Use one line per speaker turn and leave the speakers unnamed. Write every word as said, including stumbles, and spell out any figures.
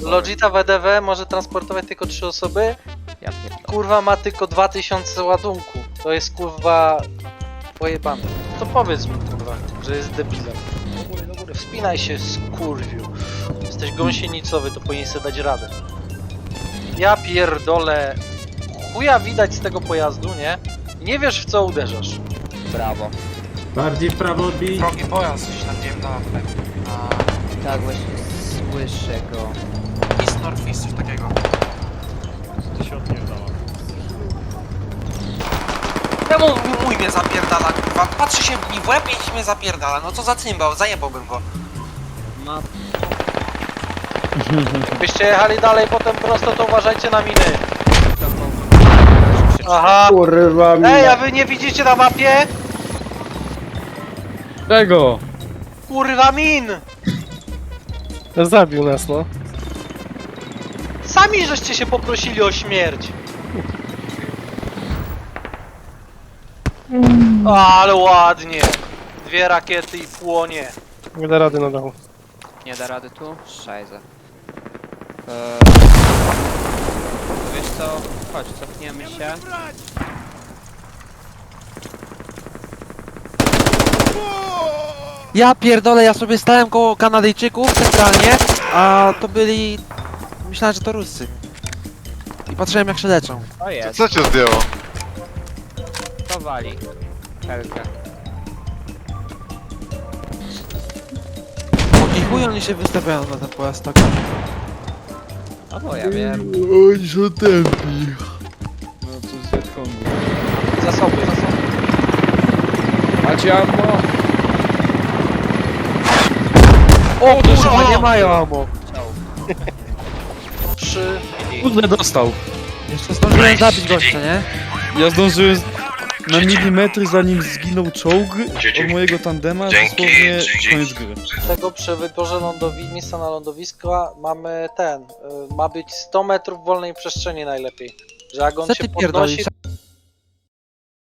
Logita W D W może transportować tylko trzy osoby.
Ja pierdolę.
Kurwa ma tylko dwa tysiące ładunku. To jest kurwa pojebane. To powiedz mu kurwa, że jest debilem. Do góry, do góry. Wspinaj się, skurwiu. Jesteś gąsienicowy, to powinien sobie dać radę. Ja pierdolę. Chuja widać z tego pojazdu, nie? Nie wiesz w co uderzasz.
Brawo.
Bardziej w prawo odbij.
Wrogi pojazd, coś tam wiem na... na...
Tak właśnie słyszę go.
East Northeast, coś takiego. Czemu mój mnie zapierdala, kurwa? Patrzy się mi w łeb i mnie zapierdala. No co za cymbał, zajebałbym go.
Ma...
Byście jechali dalej potem prosto, to uważajcie na miny. Aha.
Kurwa mi.
Ej, a wy nie widzicie na mapie?
Czego?
Kurwa min!
Zabił nas, no.
Sami żeście się poprosili o śmierć. O, ale ładnie. Dwie rakiety i płonie.
Nie da rady na dachu.
Nie da rady tu? Szajze. Eee... Wiesz co? Chodź, cofniemy się.
Ja pierdolę, ja sobie stałem koło Kanadyjczyków centralnie, a to byli... Myślałem, że to Ruscy. I patrzyłem jak się leczą.
O jest,
Co cię zdjęło?
to wali. Helkę.
I chuj oni się wystawiają na ten pojazd tak.
No bo ja wiem.
Oni są tępi. No to z Wietkongu.
Zasoby, zasoby.
Macie ammo?
O kurwa, nie mają ammo.
Trzy.
Kurde, dostał.
Jeszcze zdążyłem zabić gościa, nie?
Ja zdążyłem z... na milimetry zanim zginął czołg od mojego tandema, dosłownie koniec gry.
Tego przy wyborze lądowi miejsca na lądowiska mamy ten. Y, ma być sto metrów wolnej przestrzeni najlepiej. Że jak on
Co
się
ty
podnosi,
pierdolisz?